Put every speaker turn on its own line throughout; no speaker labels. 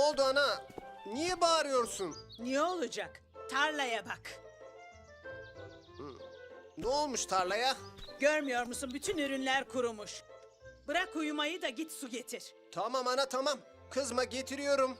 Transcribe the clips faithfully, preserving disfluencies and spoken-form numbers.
oldu ana? Niye bağırıyorsun?
Niye olacak? Tarlaya bak.
Ne olmuş tarlaya?
Görmüyor musun? Bütün ürünler kurumuş. Bırak uyumayı da git su getir.
Tamam ana tamam. Kızma getiriyorum.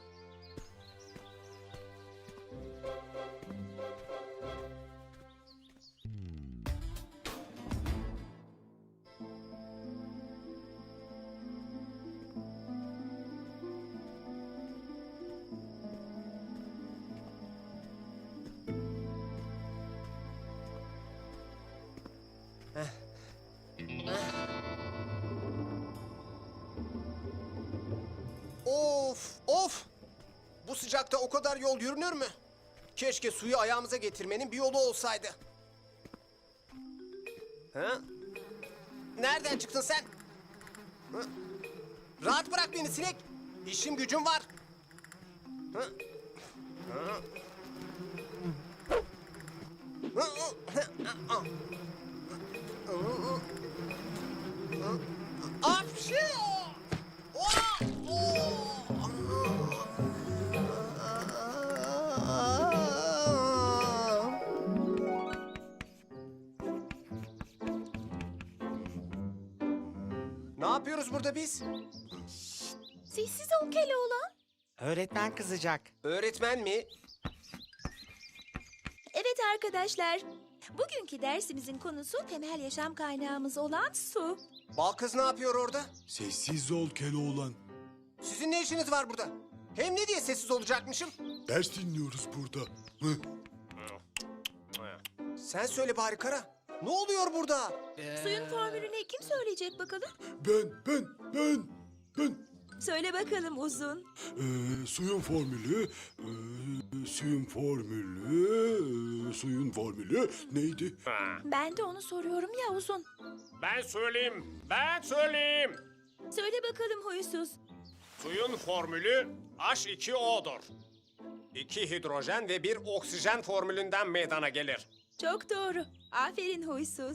Of of! Bu sıcakta o kadar yol yürünür mü? Keşke suyu ayağımıza getirmenin bir yolu olsaydı. Ha? Nereden çıktın sen? Ha? Rahat bırak beni sinek. İşim gücüm var. Ha? Ha? Ha? Ha? Apşi! Oha! Ne yapıyoruz burada biz?
Sessiz ol Keloğlan.
Öğretmen kızacak.
Öğretmen mi?
Evet arkadaşlar. Bugünkü dersimizin konusu temel yaşam kaynağımız olan su.
Bal kız ne yapıyor orada?
Sessiz ol Keloğlan.
Sizin ne işiniz var burada? Hem ne diye sessiz olacakmışım?
Ders dinliyoruz burada. Hı?
Sen söyle bari Kara. Ne oluyor burada?
Suyun formülünü kim söyleyecek bakalım?
Ben, ben, ben, ben.
Söyle bakalım Uzun.
Ee, suyun formülü, ee, suyun formülü, ee, suyun formülü neydi?
Ben de onu soruyorum ya Uzun.
Ben söyleyeyim, ben söyleyeyim.
Söyle bakalım huysuz.
Suyun formülü H iki O'dur. İki hidrojen ve bir oksijen formülünden meydana gelir.
Çok doğru. Aferin huysuz.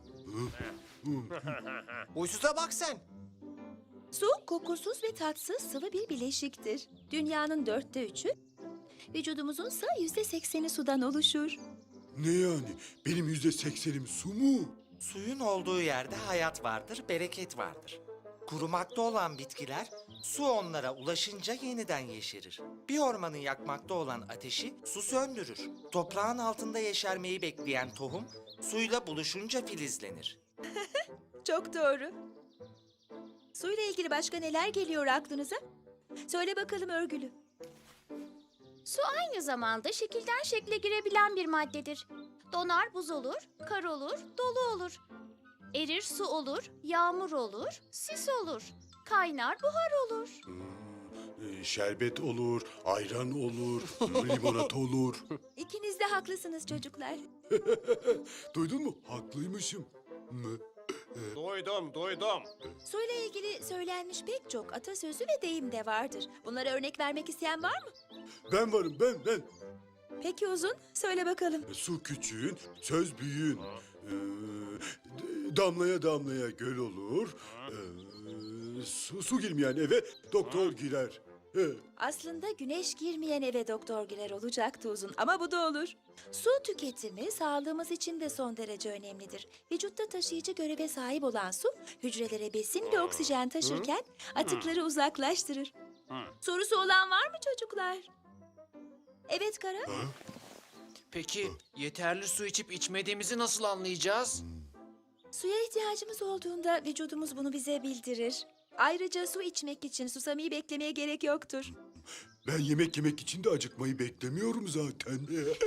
Uysuza bak sen.
Su kokusuz ve tatsız sıvı bir bileşiktir. Dünyanın dörtte üçü, vücudumuzun ise yüzde sekseni sudan oluşur.
Ne yani? Benim yüzde seksenim su mu?
Suyun olduğu yerde hayat vardır, bereket vardır. Kurumakta olan bitkiler, su onlara ulaşınca yeniden yeşerir. Bir ormanı yakmakta olan ateşi su söndürür. Toprağın altında yeşermeyi bekleyen tohum, suyla buluşunca filizlenir.
Çok doğru. Suyla ilgili başka neler geliyor aklınıza? Söyle bakalım Örgülü.
Su aynı zamanda şekilden şekle girebilen bir maddedir. Donar buz olur, kar olur, dolu olur. Erir su olur, yağmur olur, sis olur. Kaynar buhar olur.
Ee, şerbet olur, ayran olur, limonata olur.
İkiniz de haklısınız çocuklar.
Duydun mu? Haklıymışım. Hı?
Duydum, duydum.
Suyla ilgili söylenmiş pek çok atasözü ve deyim de vardır. Bunlara örnek vermek isteyen var mı?
Ben varım, ben, ben.
Peki Uzun, söyle bakalım.
Su küçüğün, söz büyüğün. Ee, d- damlaya damlaya göl olur. Ee, su, su girmeyen eve doktor girer. He.
Aslında güneş girmeyen eve doktor girer olacaktı Uzun ama bu da olur. Su tüketimi sağlığımız için de son derece önemlidir. Vücutta taşıyıcı göreve sahip olan su, hücrelere besin ve oksijen taşırken atıkları uzaklaştırır. Sorusu olan var mı çocuklar? Evet Kara?
Peki yeterli su içip içmediğimizi nasıl anlayacağız?
Suya ihtiyacımız olduğunda vücudumuz bunu bize bildirir. Ayrıca su içmek için susamayı beklemeye gerek yoktur.
Ben yemek yemek için de acıkmayı beklemiyorum zaten.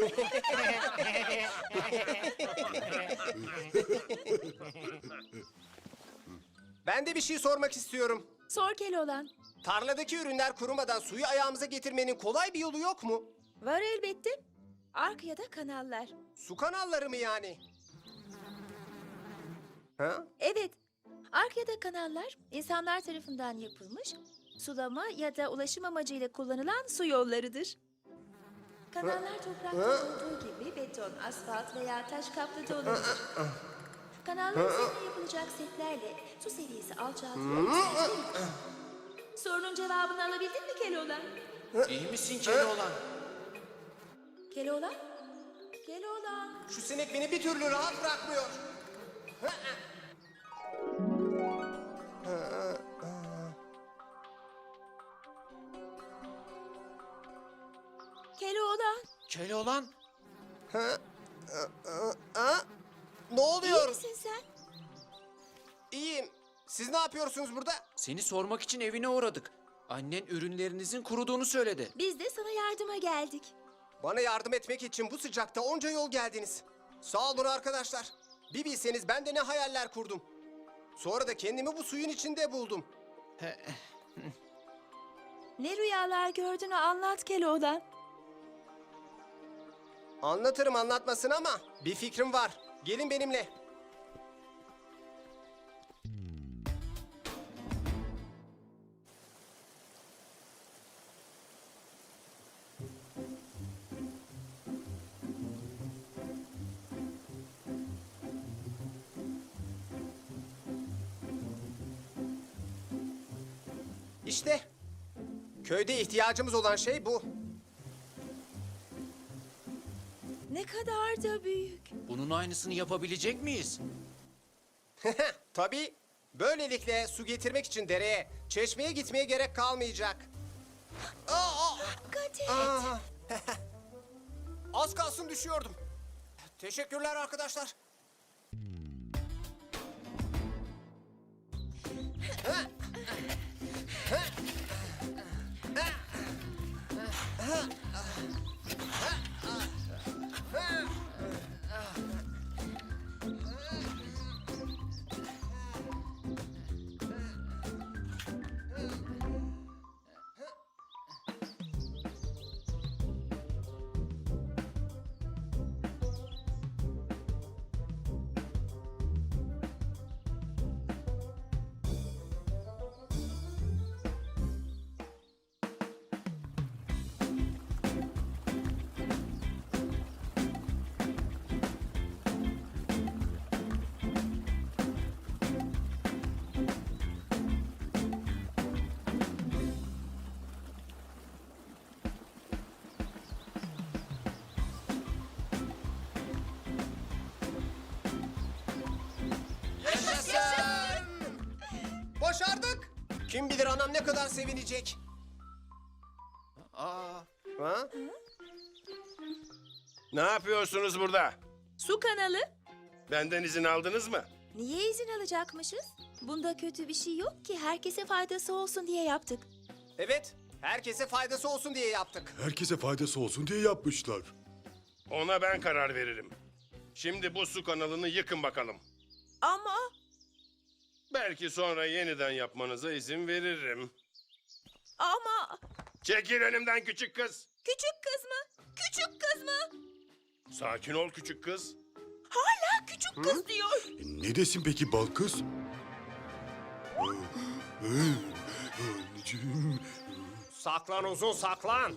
Ben de bir şey sormak istiyorum.
Sor Keloğlan.
Tarladaki ürünler kurumadan suyu ayağımıza getirmenin kolay bir yolu yok mu?
Var elbette. Ark ya da kanallar.
Su kanalları mı yani? Ha?
Evet. Ark ya da kanallar insanlar tarafından yapılmış, sulama ya da ulaşım amacıyla kullanılan su yollarıdır. Kanallar toprakta olduğu gibi beton, asfalt veya taş kaplı da olabilir. Kanallar üzerine yapılacak setlerle su seviyesi alçaltılıyor. Sorunun cevabını alabildin mi Keloğlan?
İyi misin Keloğlan?
Keloğlan? Keloğlan?
Şu sinek beni bir türlü rahat bırakmıyor.
Keloğlan?
Keloğlan?
Ha? Ne
İyi
oluyor?
misin sen?
İyiyim. Siz ne yapıyorsunuz burada?
Seni sormak için evine uğradık. Annen ürünlerinizin kuruduğunu söyledi.
Biz de sana yardıma geldik.
Bana yardım etmek için bu sıcakta onca yol geldiniz. Sağ olun arkadaşlar. Bir bilseniz ben de ne hayaller kurdum. Sonra da kendimi bu suyun içinde buldum.
Ne rüyalar gördüğünü anlat Keloğlan.
Anlatırım anlatmasın ama bir fikrim var. Gelin benimle. İşte köyde ihtiyacımız olan şey bu.
Ne kadar da büyük.
Bunun aynısını yapabilecek miyiz?
Tabii. Böylelikle su getirmek için dereye, çeşmeye gitmeye gerek kalmayacak. Aa, aa,
Dikkat et.
aa. Az kalsın düşüyordum. Teşekkürler arkadaşlar. Yaşasın! Başardık. Kim bilir anam ne kadar sevinecek.
Aa,
Ha?
Ne yapıyorsunuz burada?
Su kanalı.
Benden izin aldınız mı?
Niye izin alacakmışız? Bunda kötü bir şey yok ki. Herkese faydası olsun diye yaptık.
Evet, herkese faydası olsun diye yaptık.
Herkese faydası olsun diye yapmışlar.
Ona ben karar veririm. Şimdi bu su kanalını yıkın bakalım.
Ama...
Belki sonra yeniden yapmanıza izin veririm.
Ama...
Çekil önümden küçük kız.
Küçük kız mı? Küçük kız mı?
Sakin ol küçük kız.
Hala küçük kız diyor.
E, ne desin peki bal kız? Ee, ee, Anneciğim.
Saklan uzun saklan.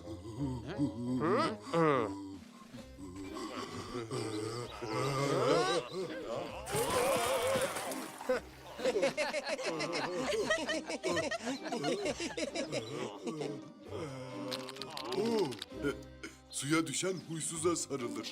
Oo, e, suya düşen huysuza sarılır.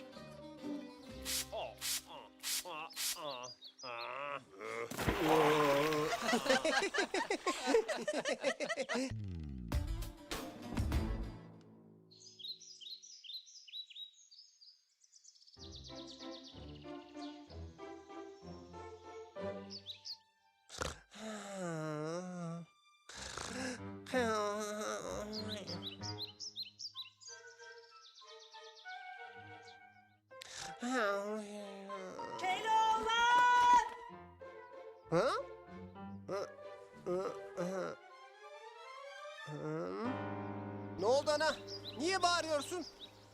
Keloğlan!
Ha? Hı? Hı? Hı? Hı? Ne oldu ana? Niye bağırıyorsun?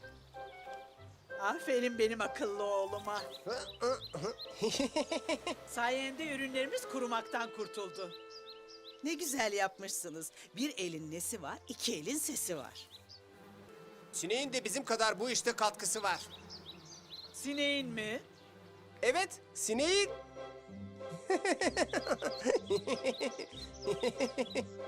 Aferin benim akıllı oğluma.
Hı? Hı? Hı?
Sayende ürünlerimiz kurumaktan kurtuldu. Ne güzel yapmışsınız. Bir elin nesi var, iki elin sesi var.
Sineğin de bizim kadar bu işte katkısı var.
Sineğin mi?
Evet, sineğin.